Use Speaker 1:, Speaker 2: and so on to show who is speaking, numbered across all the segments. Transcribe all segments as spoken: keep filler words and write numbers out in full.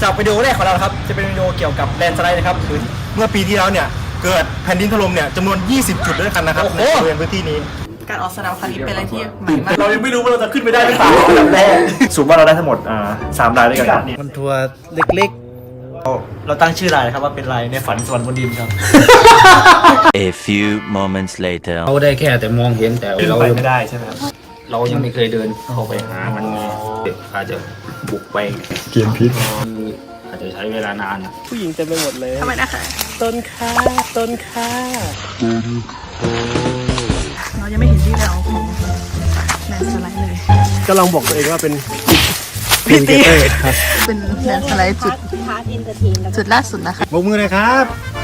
Speaker 1: ำหรับวิดีโอแรกของเราครับจะเป็นวิดีโอเกี่ยวกับแลนด์สไลด์นะครับคือ
Speaker 2: เมื่อปีที่แล้วเนี่ยเกิดแผ่นดินถล่มเนี่ยจำนวนยี่สิบจุดด้วยกันนะครับในบริเวณพื้นที่นี้
Speaker 3: การออกสนามครั้งนี้เป็นอะไรที่ใหม่มาก
Speaker 2: เรายังไม่รู้ว่าเราจะขึ้นไปได้หรือเปล่าอันดับแรกสูงว่าเราได้ทั้งหมดอ่าสามรายด้วยกัน
Speaker 4: มันทัวร์เล็กๆเราเราตั้งชื่อรายครับว่าเป็นรายในฝันสวรรค์บนดินครับ
Speaker 5: A few moments later
Speaker 6: เขาได้แค่แต่มองเห็นแต่เรา
Speaker 2: ไปไม่ได้ใช่ไหมครับ
Speaker 6: เรายังไม่เคยเดินเข้าไปหามันไงอาจจะบุกไป
Speaker 2: เกมพิษ
Speaker 6: อาจจะใช้เวลานาน
Speaker 4: ผู้หญิงเต็มไปหมดเลย
Speaker 3: ทำไมนะคะ
Speaker 4: ต้นค่าต้นค่า
Speaker 3: เรายังไม่เห็นที่เราของแลนด์สไลด์เลย
Speaker 4: ก็ลองบอกตัวเองว่าเป็น
Speaker 3: พิตีเป็นแลนด์สไลด์จุดจุดล่าสุดนะคะ
Speaker 2: บกมือเลยครับ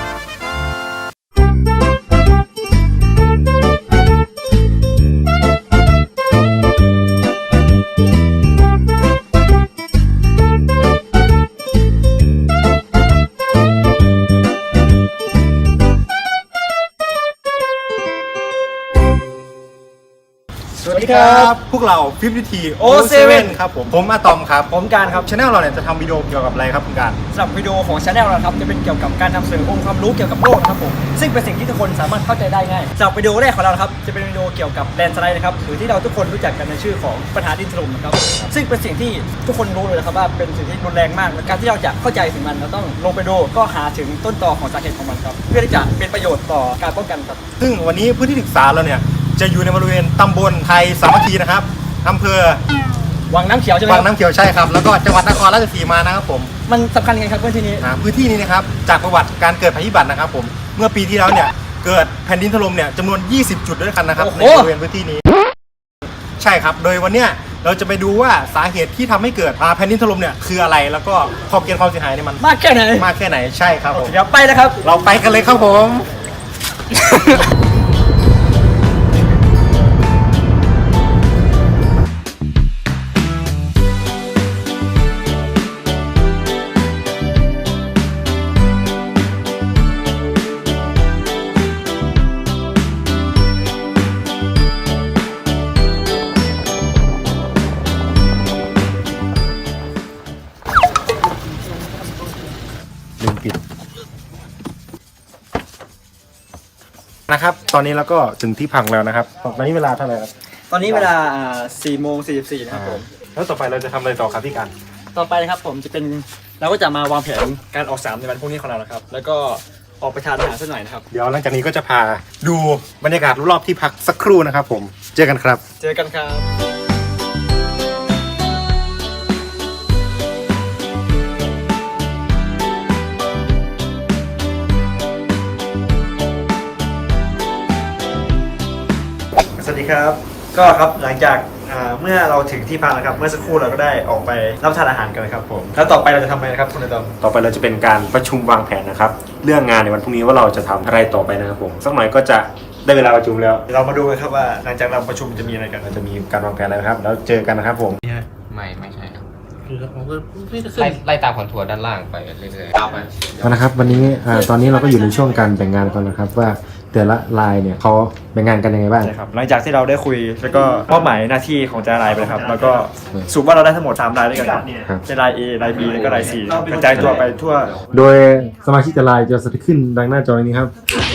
Speaker 2: สวัสดีครับพวกเราฟิฟตี้ทีโอเซเว่นครับผมผมอะตอมครับ
Speaker 1: ผมการครับ
Speaker 2: ชาแนลเราเนี่ยจะทำวิดีโอเกี่ยวกับอะไรครับคุณการ
Speaker 1: สำหรับวิดีโอของชาแนลเราครับจะเป็นเกี่ยวกับการนำเสนอองค์ความรู้เกี่ยวกับโลกนะครับผมซึ่งเป็นสิ่งที่ทุกคนสามารถเข้าใจได้ง่ายสำหรับวิดีโอแรกของเราครับจะเป็นวิดีโอเกี่ยวกับแลนด์สไลด์นะครับหรือที่เราทุกคนรู้จักกันในชื่อของปัญหาดินถล่มนะครับซึ่งเป็นสิ่งที่ทุกคนรู้เลยนะครับว่าเป็นสิ่งที่รุนแรงมากและการที่เราจะเข้าใจถึงมันเราต้องลงไปดูก็หาถึงต้นตอของสาเหตุของมันครับเพื่อที่จะเป็นประโยชน์ต่อการป้องกันครับ
Speaker 2: ซึ่งวันนี้พื้นที่ศึกษาเราเนี่ยจะอยู่ในบริเวณตำบลไทยสามัคคีนะครับอำเภอ
Speaker 1: วังน้ำเขียวใช่ไหม
Speaker 2: วังน้ำเขียวใช่ครับแล้วก็จังหวัดนครราชสีมานะครับผม
Speaker 1: มันสำคัญยังไงครับพื้นที่นี้
Speaker 2: พื้นที่นี้นะครับจากประวัติการเกิดภัยพิบัตินะครับผมเมื่อปีที่แล้วเนี่ยเกิดแผ่นดินถล่มเนี่ยจำนวนยี่สิบจุดด้วยกันนะครับในบริเวณพื้นที่นี้ใช่ครับโดยวันเนี้ยเราจะไปดูว่าสาเหตุที่ทำให้เกิดแผ่นดินถล่มเนี่ยคืออะไรแล้วก็ขอบเขตความเสียหายในมัน
Speaker 1: มากแค่ไหน
Speaker 2: มากแค่ไหนใช่ครับผม
Speaker 1: เดี๋ยวไปนะครับ
Speaker 2: เราไปกันเลยครับผมนะครับตอนนี้เราก็ถึงที่พักแล้วนะครับตอนนี้เวลาเท่าไหร่ครับ
Speaker 1: ตอนนี้เวลาสี่โมงสี่สิบสี่นะครับผม
Speaker 2: แล้วต่อไปเราจะทำอะไรต่อครับพี่การ
Speaker 1: ต่อไปนะครับผมจะเป็นเราก็จะมาวางแผนการออกสนามในวันพรุ่งนี้ของเรานะครับแล้วก็ออกไปทานอาหารสักหน่อยนะครับ
Speaker 2: เดี๋ยวหลังจากนี้ก็จะพาดูบรรยากาศรอบๆที่พักสักครู่นะครับผมเจอกันครับ
Speaker 1: เจอกันครับ
Speaker 4: สวัสดีครับก็ครับหลังจากเมื่อเราถึงที่พักแล้วครับเมื่อสักครู่เราก็ได้ออกไปรับประทานอาหารกันนะครับผมแล้วต่อไปเราจะทำอะไรครับคุณนายตอม
Speaker 2: ต่อไปเราจะเป็นการประชุมวางแผนนะครับเรื่องงานในวันพรุ่งนี้ว่าเราจะทำอะไรต่อไปนะครับผมสักหน่อยก็จะได้เวลาประชุมแล้ว
Speaker 4: เรามาดูกันครับว่าหลังจากเราประชุมจะมีอะไรกัน
Speaker 2: เราจะมีการวางแผนอะไรครับแล้วเจอกันนะครับผม
Speaker 6: ไม่ไม่ใช่ครับไล่ไล่ตามคอนทัวร์ด้านล่างไปเรื่อยๆเอาไป
Speaker 2: นะครับวันนี้ตอนนี้เราก็อยู่ในช่วงการแบ่งงานกันนะครับว่าแต่ละรายเนี่ยเขาแบ่งงานกันยังไงบ้าง
Speaker 4: ใช่ครับหลังจากที่เราได้คุยแล้วก็มอบหมายหน้าที่ของแต่ละรายไปครับแล้วก็สรุปว่าเราได้ทั้งหมดสามรายด้วยกันครับเป็นราย A ราย B แล้วก็ราย C กระจายตัวไปทั่วโดย
Speaker 2: สมาชิกแต่รายจะสถิตขึ้นดังหน้าจอนี้ครับ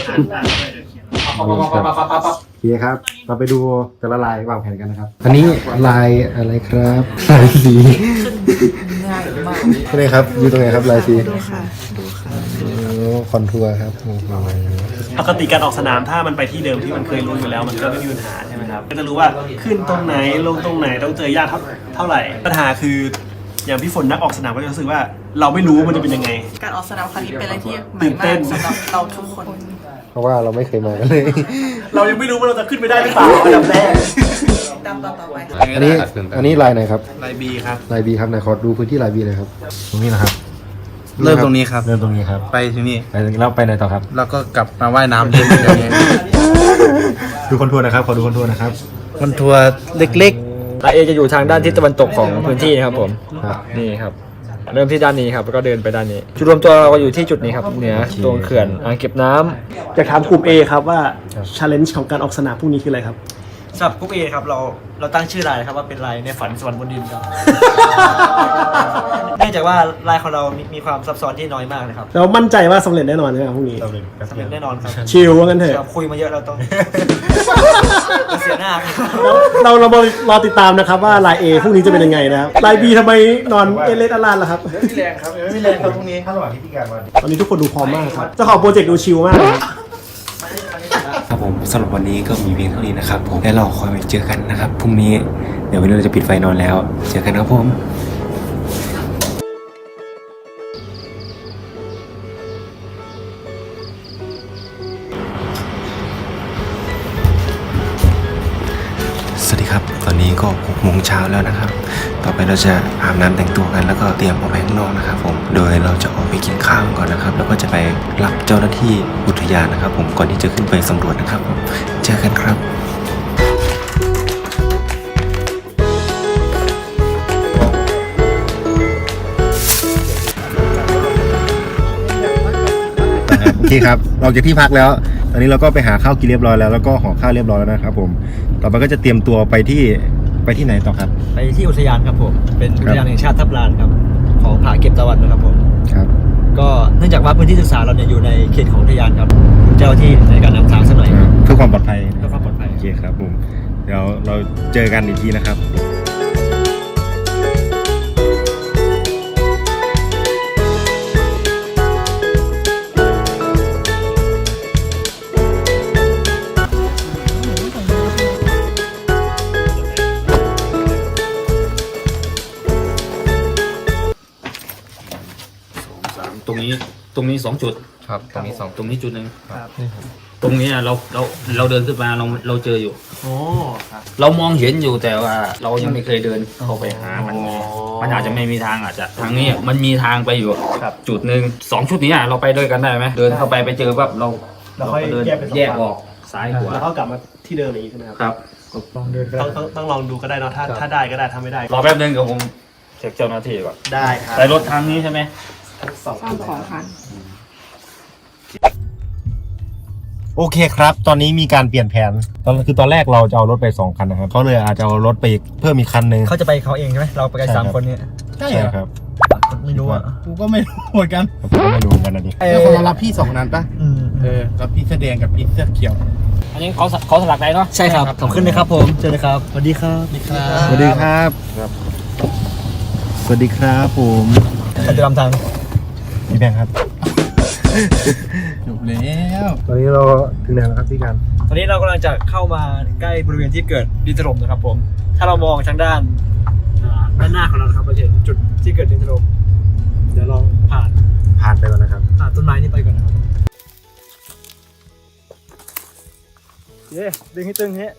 Speaker 2: โอเคครับเราไปดูแต่ละลายวางแผนกันนะครับอันนี้ลายอะไรครับลายสีง่ายมากนี่ครับอยู่ตรงไหนครับลายสีดูค่ะดูค่ะคอนทัวร์ครับ
Speaker 4: ปกติการออกสนามถ้ามันไปที่เดิมที่มันเคยรู้อยู่แล้วมันก็ไม่มีปัญหาใช่ไหมครับก็จะรู้ว่าขึ้นตรงไหนลงตรงไหนต้องเจอยากเท่าไหร่ปัญหาคืออย่างพี่ฝนนักออกสนามก็จะรู้สึกว่าเราไม่รู้มันจะเป็นยังไง
Speaker 3: การออกสนามครั้งนี้เป็นอะไรที่ใหม่มากสำหรับเราทุกคน
Speaker 2: เพราะว่าเราไม่เคยมากันเลย
Speaker 4: เรายังไม่รู้ว่าเราจะขึ้นไปได้หรือเปล่าอันดับแรก
Speaker 3: ตามต่อไป
Speaker 2: อันนี้อันนี้ลายไหนครับ
Speaker 4: ลายบีครับ
Speaker 2: ลายบีครับไหนขอดูพื้นที่ลายบีเลยครับตรงนี้นะครับ
Speaker 6: เริ่มตรงนี้ครับ
Speaker 2: เริ่มตรงนี้ครับ
Speaker 6: ไปที่นี่
Speaker 2: ไปแล้วไปไหนต่อครับ
Speaker 6: แล้วก็กลับมาว่ายน้ำเล่นอย่างเงี้ย
Speaker 2: ดูคอนทัวร์นะครับขอดูคอนทัวร์นะครับ
Speaker 6: คอนทัวร์เล็ก
Speaker 1: ๆราย A จะอยู่ทางด้านทิศตะวันตกของพื้นที่นะครับผมนี่ครับเริ่มที่ด้านนี้ครับแล้วก็เดินไปด้านนี้จุดรวมตัวเราอยู่ที่จุดนี้ครับเหนือตรงเขื่อนอ่างเก็บน้ำ
Speaker 4: จะถามกลุ่ม A ครับว่า challenge ของการออกสนามพรุ่งนี้คืออะไรครับ
Speaker 1: สำหรับกรุ๊ป A ครับเราเราตั้งชื่อรายครับว่าเป็นรายในฝันสวรรค์บนดินครับ เนื่องจากว่ารายของเรามีมีความซับซ้อนที่น้อยมากนะครับ
Speaker 4: เรามั่นใจว่าสำเร็จแน่นอนใช่ไหมครับพรุ่งนี้
Speaker 2: เราเลยครับ
Speaker 1: สำเร็จแน่นอนครับ
Speaker 4: ชิลว่างั้นเถ
Speaker 1: ครั
Speaker 4: อะ
Speaker 1: บคุยมาเยอะเราต้อง เสียหน้าครับ
Speaker 4: เราเรามารอติดตามนะครับว่าลาย A พรุ่งนี้จะเป็นยังไงนะครับลาย B ทำไมนอนเอเลสอลานล่ะครับ
Speaker 2: ไม่มีแรงครับไม่มีแรงครับพรุ่งนี้ถ้าระหว่างที่พี่การมา
Speaker 4: ตอนนี้ทุกคนดูพร้อมมากครับเจ้าของโปรเจกต์ดูชิลมากครับ
Speaker 7: ครับผมสำหรับวันนี้ก็มีเพียงเท่านี้นะครับผมและเราคอยไปเจอกันนะครับพรุ่งนี้เดี๋ยววันนี้เราจะปิดไฟนอนแล้วเจอกันครับผมสวัสดีครับตอนนี้ก็หกโมงเช้าแล้วนะครับต่อไปเราจะอาบน้ำแต่งตัวกันแล้วก็เตรียมออกไปข้างนอกนะครับผมโดยเราจะออกไปกินข้าวกันก่อนนะครับแล้วก็จะไปรับเจ้าหน้าที่อุทยานนะครับผมก่อนที่จะขึ้นไปสำรวจนะครับผมเจอกันครับ
Speaker 2: โอเคครับเราจากที่พักแล้ว ตอนนี้เราก็ไปหาข้าวกินเรียบร้อยแล้วแล้วก็ห่อข้าวเรียบร้อยแล้วนะครับผมต่อไปก็จะเตรียมตัวไปที่ไปที่ไหนต่อครับ
Speaker 1: ไปที่อุทยานครับผมเป็นอุทยานแห่งชาติทับลานครับของผาเก็บตะวันนะครับผม
Speaker 2: ครับ
Speaker 1: ก็เนื่องจากว่าพื้นที่ศึกษาเราเนี่ยอยู่ในเขตของอุทยานครับเจ้าที่ในการนำทางสักหน่อยครับ
Speaker 2: เพื่อความปลอดภัย
Speaker 1: เพื่อความปลอดภัย
Speaker 2: โอเคครับผมเดี๋ยวเราเจอกันอีกทีนะครับ
Speaker 8: ตรงนี้ตรงนี้สองจุด
Speaker 6: ครับตรงนี้สอง
Speaker 8: ตรงนี้จุดหนึ่งตรงนี้อะเราเราเราเดินขึ้นมาเราเราเจออยู่
Speaker 4: โอ้
Speaker 8: เรามองเห็นอยู่แต่ว่าเรายังไม่เคยเดินเข้าไปหามันไงมันอาจจะไม่มีทางอาจจะทางนี้มันมีทางไปอยู่จุดหนึ่งสองชุดนี้อะเราไปด้วยกันได้ไหมเดินเข้าไปไปเจอปั๊บเรา
Speaker 4: เราค่อย
Speaker 8: เดิน
Speaker 4: แยกเป็นสอง
Speaker 8: แยก
Speaker 4: ฝั่ง
Speaker 8: ออกซ้ายขวา
Speaker 4: แล้วก็กลับมาที่เดิมอีกใช่ไหมครับ
Speaker 8: ครับ
Speaker 1: ลองเดินไป
Speaker 4: ต้องต้องต้องลองดูก็ได้เนาะถ้าถ้าได้ก็ได้ถ้าไม่ได้
Speaker 8: รอแป๊บนึงกับผมเช็คเจ้าหน้าที่ก่อน
Speaker 4: ได้ครับ
Speaker 8: ไปรถทางนี้ใช่ไหม
Speaker 4: สองคัน
Speaker 2: โอเคครับ ตอนนี้มีการเปลี่ยนแผนตอนคือตอนแรกเราจะเอารถไปสองคันนะครับเขาเลยอาจจะเอารถไปเพิ่มอีกคันหนึ่ง
Speaker 1: เขาจะไปเขาเองใช่ไหมเราไปกันสามคนเนี่ย
Speaker 2: ใช่ครับ
Speaker 1: ไม่รู้อ่ะ
Speaker 9: กูก็ไม่รู้เหมือนกัน
Speaker 2: ผมก็ไม่รู้เหมือนกันนะดิ
Speaker 9: เออคนละรับพี่สองนั้นปะ
Speaker 1: อืม
Speaker 9: เออรับพี่เสื้อแดงกับพี่เสื้อเขียว
Speaker 8: อันนี้เขาเขาสลักได้เนาะ
Speaker 1: ใช่ครับขอบคุณนะครับผมเจอเลยครับสวัสดีครับสวัสดีครับ
Speaker 2: สวัสดีครับสวัสดีครับผม
Speaker 1: ใครจะนำทาง
Speaker 2: พี่แบงค์ครับ
Speaker 9: จบแล้ว
Speaker 2: ตอนนี้เราถึงไหนแล้วครับพี่การ
Speaker 1: ตอนนี้เรากำลังจะเข้ามาใกล้บริเวณที่เกิดดินถล่มนะครับผมถ้าเรามองทางด้านอ่าด้านหน้าของเรานะครับเราจะเห็นจุดที่เกิดดินถล่มเดี๋ยวลองผ่าน
Speaker 2: ผ่านไปแล้วนะครับ
Speaker 1: ผ่านต้นไม้นี้ไปก่อนนะครับเย้ดึงให้ตึงเฮ้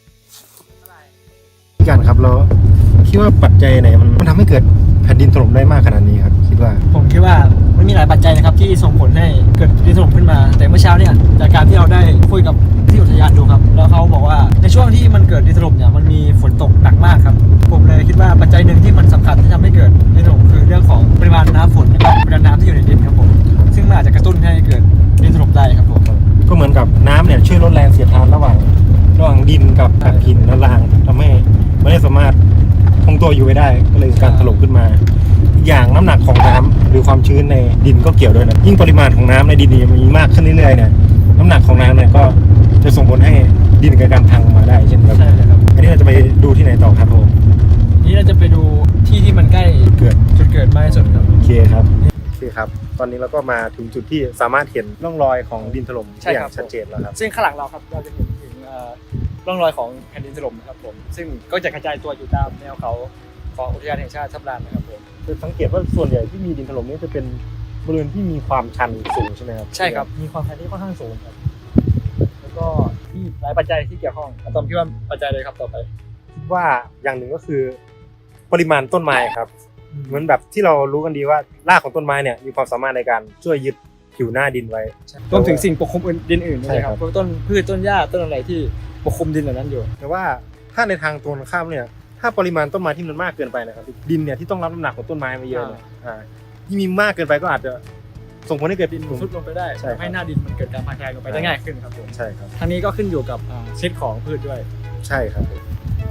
Speaker 2: พี่การครับเราคิดว่าปัจจัยไหนมันมันทำให้เกิดแผ่นดินถล่มได้มากขนาดนี้ครับคิดว่า
Speaker 1: ผมคิดว่ามันมีหลายปัจจัยนะครับที่ส่งผลให้เกิดดินถล่มขึ้นมา แต่เมื่อเช้าเนี่ยจากการที่เราได้คุยกับที่อุทยานดูครับแล้วเขาบอกว่าในช่วงที่มันเกิดดินถล่มเนี่ยมันมีฝนตกหนักมากครับผมเลยคิดว่าปัจจัยหนึ่งที่มันสำคัญที่ทำให้เกิดดินถล่มคือเรื่องของปริมาณน้ำฝนนะครับปริมาณน้ำที่อยู่ในดินครับผมซึ่งมันอาจจะกระตุ้นให้เกิดดินถล่มได้ครับผม
Speaker 2: ก็เหมือนกับน้ำเนี่ยช่วยลดแรงเสียดทานระหว่างระหว่างดินกับแผ่นหินและรางทำให้ไม่ได้สามารถคงตัวอยู่ไว้ได้ก็เลยการถล่มขึ้นมาอีกอย่างน้ำหนักของน้ำหรือความชื้นในดินก็เกี่ยวด้วยนะยิ่งปริมาณของน้ำในดินนี่มีมากขึ้นเรื่อยๆเนี่ยน้ำหนักของน้ำเนี่ยก็จะส่งผลให้ดินเกิดการพังมาได้เช่นกัน
Speaker 1: ใช่ครับ
Speaker 2: อันนี้เราจะไปดูที่ไหนต่อครับผม
Speaker 1: นี่เราจะไปดูที่ที่มันใกล้
Speaker 2: เกิด
Speaker 1: จุดเกิดมากที่สุดครับ
Speaker 2: โอเคครับโอเคครับ ตอนนี้เราก็มาถึงจุดที่สามารถเห็นร่องรอยของดินถล่มได้อย่างชัดเจนแล้วครับ
Speaker 1: ซึ่งข้างหลังเราครับเราจะเห็นถึงเอ่อร่องรอยของแผ่นดินถล่มนะครับผมซึ่งก็จะกระจายตัวอยู่ตามแนวเขาของอุทยานแห่งชาติทับลานนะครับผม
Speaker 2: คือสังเกตว่าส่วนใหญ่ที่มีดินถล่มนี่จะเป็นบริเวณที่มีความชันสูงใช่ไหมครับ
Speaker 1: ใช่ครับมีความชันที่ค่อนข้างสูงครับแล้วก็ที่หลายปัจจัยที่เกี่ยวข้องอะตอมคิดว่าปัจจัยเลยครับต่อไป
Speaker 2: คิดว่าอย่างหนึ่งก็คือปริมาณต้นไม้ครับเหมือนแบบที่เรารู้กันดีว่ารากของต้นไม้เนี่ยมีความสามารถในการช่วยยึดผิวหน้าดินไว้
Speaker 1: รวมถึงสิ่งปกคลุมอื่นดินอื่นด้วย
Speaker 2: ใช่
Speaker 1: นะ
Speaker 2: ค
Speaker 1: ค
Speaker 2: รั
Speaker 1: รับ บพวกต้นพืชต้นหญ้าต้นอะไรที่ปกคลุมดินเหล่านั้นอยู่
Speaker 2: แต่ว่าถ้าในทางตรงข้ามเนี่ยถ้าปริมาณต้นไม้ที่มันมากเกินไปนะครับดินเนี่ยที่ต้องรับน้ำหนักของต้นไม้มาเยอะเนี่ยอ่าที่มีมากเกินไปก็อาจจะส่งผลให้เกิดดิน
Speaker 1: ซุดลงไปได้
Speaker 2: ใช่ครับ
Speaker 1: ทำให้หน้าดินมันเกิดการพังแคลงลงไปได้ง่ายขึ้นครับผม
Speaker 2: ใช่ครับ
Speaker 1: ทั้งนี้ก็ขึ้นอยู่กับอ่าชนิดของพืชด้วย
Speaker 2: ใช่ครับผม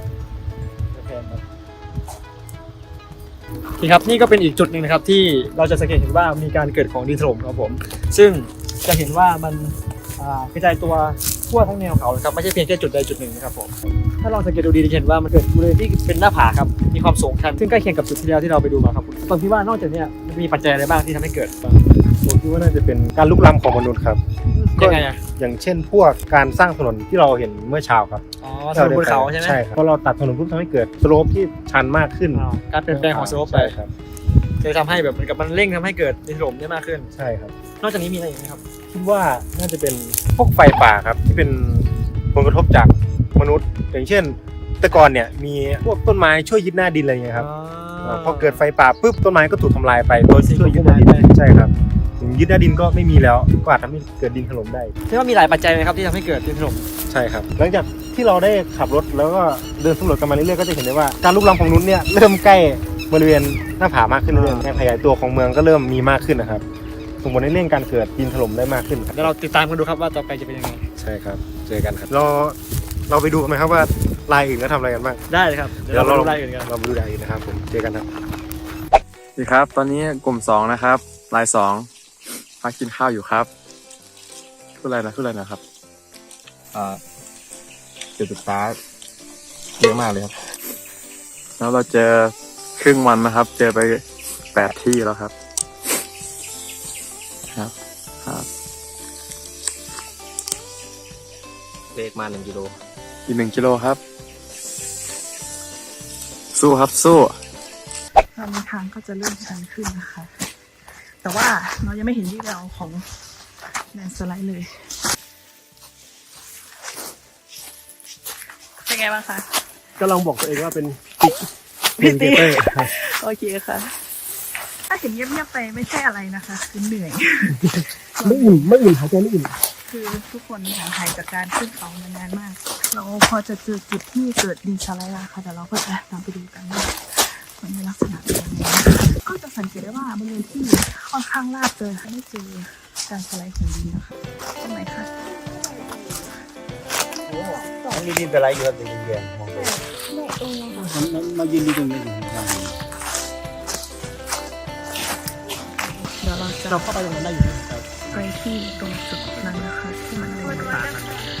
Speaker 1: โอเคครับนี่ก็เป็นอีกจุดหนึ่งนะครับที่เราจะสังเกตเห็นว่ามีการเกิดของดินถล่มครับผมซึ่งจะเห็นว่ามันอ่ากระจายตัวทั่วทั้งแนวเขานะครับไม่ใช่เพียงแค่จุดใดจุดหนึ่งนะครับผมถ้าลองสังเกตดูดีจะเห็นว่ามันเกิดบริเวณที่เป็นหน้าผาครับมีความสูงชันซึ่งใกล้เคียงกับจุดที่แล้วที่เราไปดูมาครับตอนที่ว่านอกจากเนี้ยมันมีปัจจัยอะไรบ้างที่ทำให้เกิดบ้าง
Speaker 2: ผมคิดว่าน่าจะเป็นการลุกล้ำของมนุษย์ครับ
Speaker 1: ยังไงอ่ะ
Speaker 2: อย่างเช่นพวกการสร้างถนนที่เราเห็นเมื่อเช้าครับ
Speaker 1: อ๋อถนนบนเขาใช่ไหม
Speaker 2: ใช่ครับเพราะเราตัดถนนปุ๊บทำให้เกิดสโลปที่ชันมากขึ้น
Speaker 1: อ๋อการเปลี่ยนแปลงของสโลปไป
Speaker 2: ใช่ครับ
Speaker 1: เลยทำให้แบบเหมือนกับมันเร่งทำให้เกิดดินถล่มได้มากขึ้น
Speaker 2: ใช่ครับ
Speaker 1: นอกจากนี้มีอะไรอีกไหมครับ
Speaker 2: คิดว่าน่าจะเป็นพวกไฟป่าครับที่เป็นผลกระทบจากมนุษย์ อย่างเช่นแต่ก่อนเนี่ยมีพวกต้นไม้ช่วยยึดหน้าดินอะไรอย่างเงี้ยครับาพอเกิดไฟป่าปุ๊บต้นไม้ก็ถูกทำลายไปโดยช่วยยึดหน้าดินใช่ครับถึงยึดหน้าดินก็ไม่มีแล้วก็อาจทำให้เกิดดินถล่มได้
Speaker 1: ใช่ว่ามีหลายปัจจัยไหมครับที่ทำให้เกิดดินถล่ม
Speaker 2: ใช่ครับหลังจากที่เราได้ขับรถแล้วก็เดินสำรวจกันมาเรื่อยๆก็จะเห็นได้ว่าการลุกล้ำของมนุษย์เนี่ยเริ่มใกล้บริเวณหน้าผามากขึ้นเรื่อยๆการขยายตัวของเมืองก็เริ่มมีมากขึ้นนะครับส่งผลให้เร่งการเกิดดินถล่มได้มากขึ้นครับ
Speaker 1: เดี๋ยวเราติดตามกันดูครับว่าต่อไปจะเป็นยังไง
Speaker 2: ใช่ครับเจอกันครับเราเราไปดูกันไหมครับว่าลายอื่นก็ทำอะไรกันบ้าง
Speaker 1: ได้เลยครับเดี๋ยวเราไปดูรายอื่นกัน
Speaker 2: เราไปดูรายอื่นนะครับผมเจอกันครับ
Speaker 10: สวัสดีครับตอนนี้กลุ่มสองนะครับลายสองพักกินข้าวอยู่ครับพูดอะไรนะพูดอะไรนะครับอ่าเจ็ดสิบตาเยอะมากเลยครับแล้วเราเจอครึ่งวันนะครับ เจอไปแปดที่แล้วครับครับครับ
Speaker 6: เลขมาหนึ่งกิโล
Speaker 10: อีกหนึ่งกิโลครับ สู้ครับสู้
Speaker 3: ตอนนี้ทางก็จะเริ่มชันขึ้นนะคะ แต่ว่าเรายังไม่เห็นวี่แววของแลนด์สไลด์เลย เป็นไงบ้างคะ
Speaker 4: ก็ลองบอกตัวเองว่าเป็น
Speaker 3: พี่ตีโอเคค่ะ ถ้าเห็นเงียบๆไปไม่ใช่อะไรนะคะคือเหนื่อย
Speaker 4: ไม่อุ่นไม่อุ่นหายใจไม่อุ่น
Speaker 3: คือทุกคนห่างหายจากการขึ้นเขามานานมาก เราพอจะเจอจุดที่เกิดดินสไลด์แล้วค่ะแต่เราก็จะตามไปดูกันว่ามันมีลักษณะเป็นยังไงนะคะก็จะสังเกตได้ว่าบริเวณที่ค่อนข้างลาดเลยค่ะไม่เจอการสไลด์ของดินนะคะตรงไหนคะ
Speaker 2: มันมีดินสไลด์อยู่ครับเป็นดินแดงมองไป
Speaker 9: มายืนดูตรงนี้อยู่
Speaker 3: เดี๋ยวเราจะ
Speaker 1: เราเข้าไปตรงนั้นได้อยู่นะครับ
Speaker 3: ไปที่ตรงจุดนั้นนะคะที่มันเป็นป่า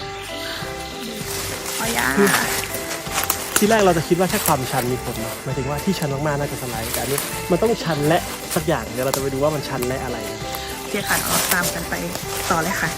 Speaker 3: อ๋อยา
Speaker 4: ที่แรกเราจะคิดว่าแค่ความชันมีผลนะหมายถึงว่าที่ชันมากๆน่าจะสไลด์แต่อันนี้มันต้องชันและสักอย่างเดี๋ยวเราจะไปดูว่ามันชันและอะไร
Speaker 3: โอเคค่ะเราตามกันไปต่อเลยค่ะ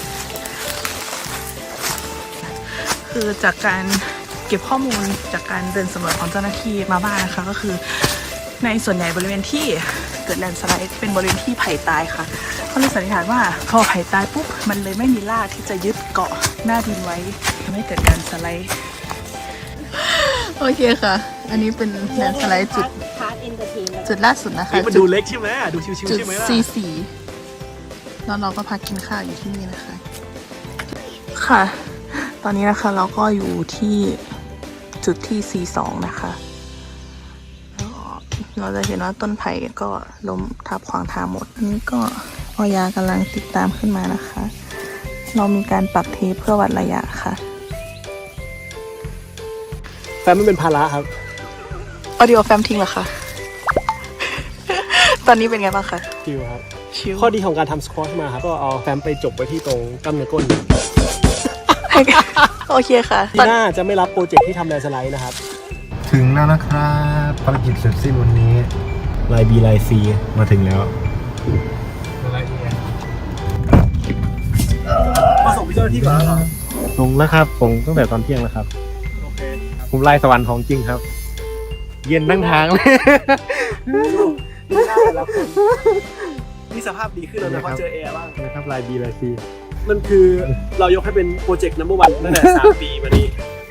Speaker 3: คือจากการเก็บข้อมูลจากการเดินสำรวจของเจ้าหน้าที่มาบ้างนะคะก็คือในส่วนใหญ่บริเวณที่เกิดแลนด์สไลด์เป็นบริเวณที่ไผ่ตายค่ะเขาเลยสันนิษฐานว่าพอไผ่ตายปุ๊บมันเลยไม่มีรากที่จะยึดเกาะหน้าดินไว้ทำให้เกิดการสไลด์โอเคค่ะ อันนี้เป็นแลนด์สไลด์จุดจุดล่าสุดนะคะ
Speaker 4: มันดูเล็กใช่ไหมดูชิวๆ
Speaker 3: จุด
Speaker 4: ใช่ไหมล่ะ
Speaker 3: ซีสี่แล้วเราก็พักกินข้าวอยู่ที่นี่นะคะ ค่ะ ตอนนี้นะคะเราก็อยู่ที่จุดที่ ซีสอง นะคะแล้วเราจะเห็นว่าต้นไผ่ก็ล้มทับขวางทางหมดอันนี้ก็ออยากำลังติดตามขึ้นมานะคะ เรามีการปักเทปเพื่อวัดระยะค่ะ
Speaker 4: แฟนไม่เป็นภาระครับ
Speaker 3: ออดิโอแฟมทิ้งเหรอคะ ตอนนี้เป็นไงบ้างคะ
Speaker 4: ชิวครับ
Speaker 3: ชิว
Speaker 4: ข้อดีของการทำสควอชมาครับก็เอาแฟมไปจบไว้ที่ตรงกล้ามเนื้อก้น
Speaker 3: โอเคค่ะ
Speaker 4: ที่หน้าจะไม่รับโปรเจกต์ที่ทำแลนด์สไลด์นะครับ
Speaker 2: ถึงแล้วนะครับภารกิจเสร็จสิ้นวันนี้ลาย B ลาย C มาถึงแล้ว
Speaker 4: มาส่งพี่เจ้าหน้าที่ก่อนแล้วเหรอ
Speaker 2: ลงแล้วครับผมตั้งแต่ตอนเที่ยงแล้วครับ
Speaker 4: โอเค
Speaker 2: ผมลายสวรรค์ของจริงครับ เย็นทั้งทางเลย
Speaker 4: ดูหน้าแต่ละคนนี่สภาพดีขึ้นแล้วนะเพราะเจอแอร์บ้าง
Speaker 2: นะครับลาย B ลาย C
Speaker 4: มันคือเรายกให้เป็นโปรเจกต์นัมเบอร์วันตั้งแต่สามปีมานี้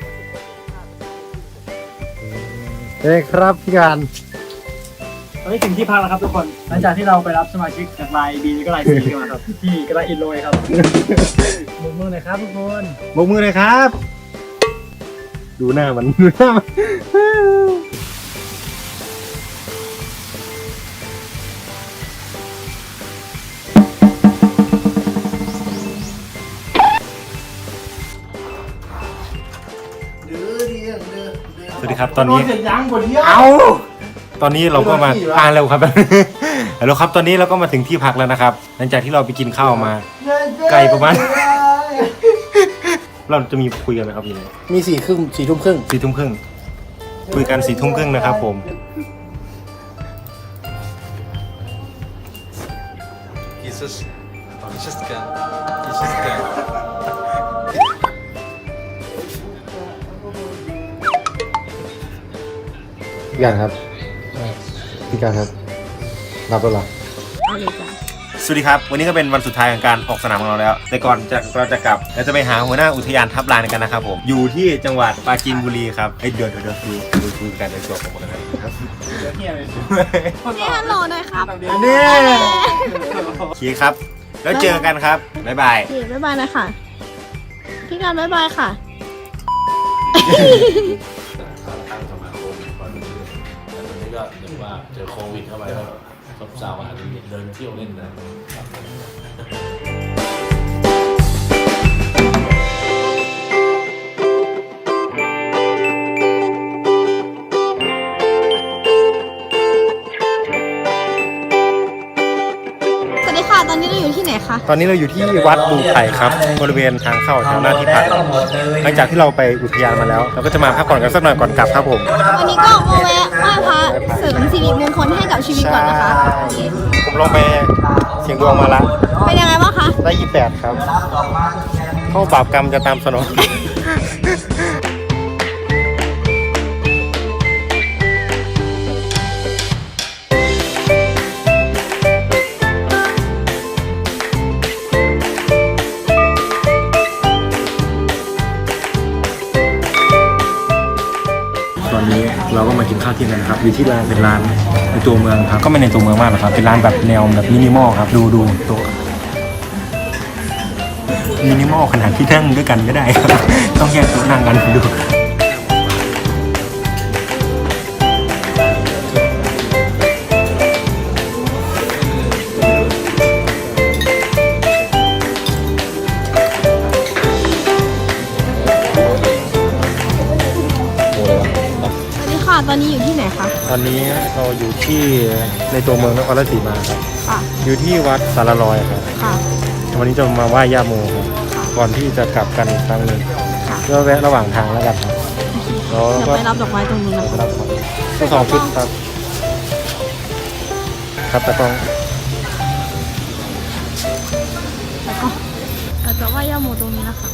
Speaker 2: เอ้ครับพี่การ
Speaker 1: ตอนนี้ถึงที่พักแล้วครับทุกคน หลังจากที่เราไปรับสมาชิกจากไลน์ B ก็ไลน์ C กันมาครับที่กระไรอินโรยครับมือมือหน่อยครับทุกคน
Speaker 2: บกมือเลยครับ ดูหน้ามันดูหน้ามันครับตอนนี้เอาตอนนี้เราก็มาอ่านแล้วครับ แล้วครับตอนนี้เราก็มาถึงที่พักแล้วนะครับ หลังจากที่เราไปกินข้าวมาไกลประมาณ เราจะมีคุยกันไหมครับพี่เนี่ย
Speaker 9: มีสี่ครึ่งสี่ทุ่มครึ่ง
Speaker 2: สี่ทุ่มครึ่งคุยกันสี่ทุ่มครึ่งนะครับผมพี่การครับพี่การครับรับแล้วเหรอ
Speaker 3: เอาเลยจ้ะ
Speaker 2: สวัสดีครับวันนี้ก็เป็นวันสุดท้ายของการออกสนามของเราแล้วแต่ก่อนจะเราจะกลับเราจะไปหาหัวหน้าอุทยานทับลานกันนะครับผมอยู่ที่จังหวัดปราจีนบุรีครับเฮ้ยเดี๋ยวเดี๋ยวดูดูดูการเดินตัวของผมนะครับ
Speaker 3: นี่ฮัลโหลหน่อยครับ
Speaker 2: นี่โอเคครับแล้วเจอกันครับบ๊ายบาย
Speaker 3: โอเคบ๊ายบายนะค่ะ พี่การบ๊ายบายค่ะ
Speaker 11: ก็เรียกว่าเจอโควิดเข้าไปก็ซบเซาอาจจะเดินเที่ยวเล่นนะ
Speaker 3: สวัสดีค่ะ ตอนนี้เราอยู่ที่ไหนคะ
Speaker 2: ตอนนี้เราอยู่ที่วัดบูไข่ครับบริเวณทางเข้าแถวหน้าที่พักหลังจากที่เราไปอุทยานมาแล้ว เราก็จะมาพักผ่อนกันสักหน่อยก่อนกลับครับผม
Speaker 3: วันนี้ก็มาแวะไหว้พระเสริมสิริมงคลให้กับชีวิตก่อนนะคะโอเค
Speaker 2: ผมลองไปเสียงดวงมาละ
Speaker 3: เป็นยังไงบ้างคะ
Speaker 2: ได้ยี่สิบแปดครับเข้าบาปกรรมจะตามสนอง ตอนนี้เราก็มากินข้าวเที่ยงกันครับอยู่ที่ร้านเป็นร้านในตัวเมืองครับก็ไม่ในตัวเมืองมากหรอกครับเป็นร้านแบบแนวแบบมินิมอลครับดูดูโต๊ะมินิมอลขนาดที่นั่งด้วยกันไม่ได้ครับ ต้องแยกโต๊ะนั่งกันดู
Speaker 3: ตอนนี้อยู่ที่ไหนคะ
Speaker 2: ตอนนี้เราอยู่ที่ในตัวเมืองนครราชสีมาครับ
Speaker 3: ค่ะ
Speaker 2: อยู่ที่วัดสารลอยครับ
Speaker 3: ค่ะ
Speaker 2: วันนี้จะมาไหว้ย่าโมครับก่อนที่จะกลับกันอีกครั้งหนึ่งเพื่อแวะระหว่างทางแล้วกันครับแล้ว
Speaker 3: เดี๋ยว
Speaker 2: ก็
Speaker 3: ไปรับดอกไม้ตรงนู้นนะคะ
Speaker 2: รับของทั้งสองชุดครับครับแต่กล้อง
Speaker 3: แล้วก็เราจะไหว้ย่าโมตรงนี้นะคะ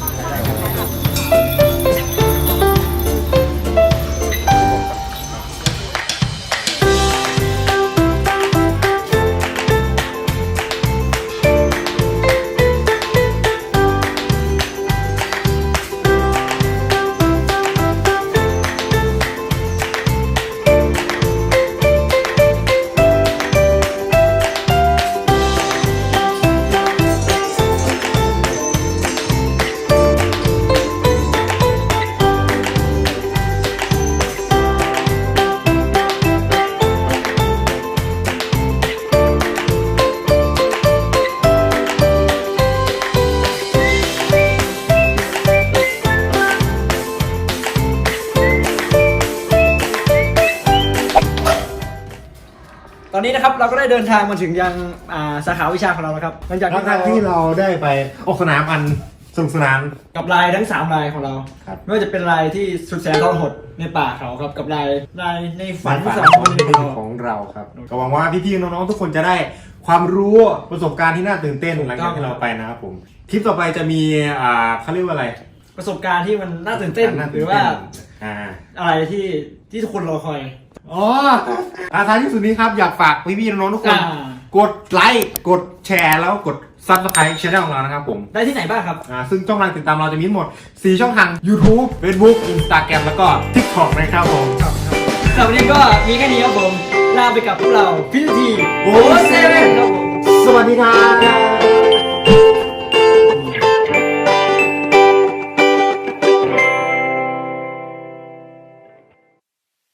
Speaker 1: ตอนนี้นะครับเราก็ได้เดินทางมาถึงยังอ่าสาขาวิชาของเราแล้วครับหลังจาก
Speaker 2: หลังจากที่เราได้ไปออกสนามอันสนุกสนาน
Speaker 1: กับลายทั้งสามลายของเรา
Speaker 2: ครับ
Speaker 1: ไม่ว่าจะเป็นลายที่สุดแสนทรหดในป่าเขาครับกับลายลายในฝันสองคนของเรา
Speaker 2: ของเราครับก็หวังว่าพี่ๆน้องๆทุกคนจะได้ความรู้ประสบการณ์ที่น่าตื่นเต้นหลังจากที่เราไปนะครับผมทริปต่อไปจะมีอ่าเขาเรียกว่าอะไร
Speaker 1: ประสบการณ์ที่มันน่าตื่นเต้น
Speaker 2: น่า
Speaker 1: ห
Speaker 2: ตื่
Speaker 1: รื
Speaker 2: น
Speaker 1: อ
Speaker 2: เต้
Speaker 1: ว่าน
Speaker 2: อ่า
Speaker 1: อะไรที่ที่ทุกคนรอคอย
Speaker 2: อ๋ออาท้ายที่สุดนี้ครับอยากฝากพี่ๆน้องๆทุกคน
Speaker 1: อ่า
Speaker 2: กดไลค์กดแชร์แล้วกด Subscribe Channel ของเรานะครับผม
Speaker 1: ได้ที่ไหนบ้างครับ
Speaker 2: อ่าซึ่งช่องทางติดตามเราจะมีทั้งหมดสี่ช่องทาง YouTube Facebook Instagram แล้วก็ TikTok นะครับผม
Speaker 1: สำหรับวันนี้ก็มีแค่นี้ครับผมลาไปกับพวกเราพิธีโอเซเว่นครับผม
Speaker 2: สวัสดีครับ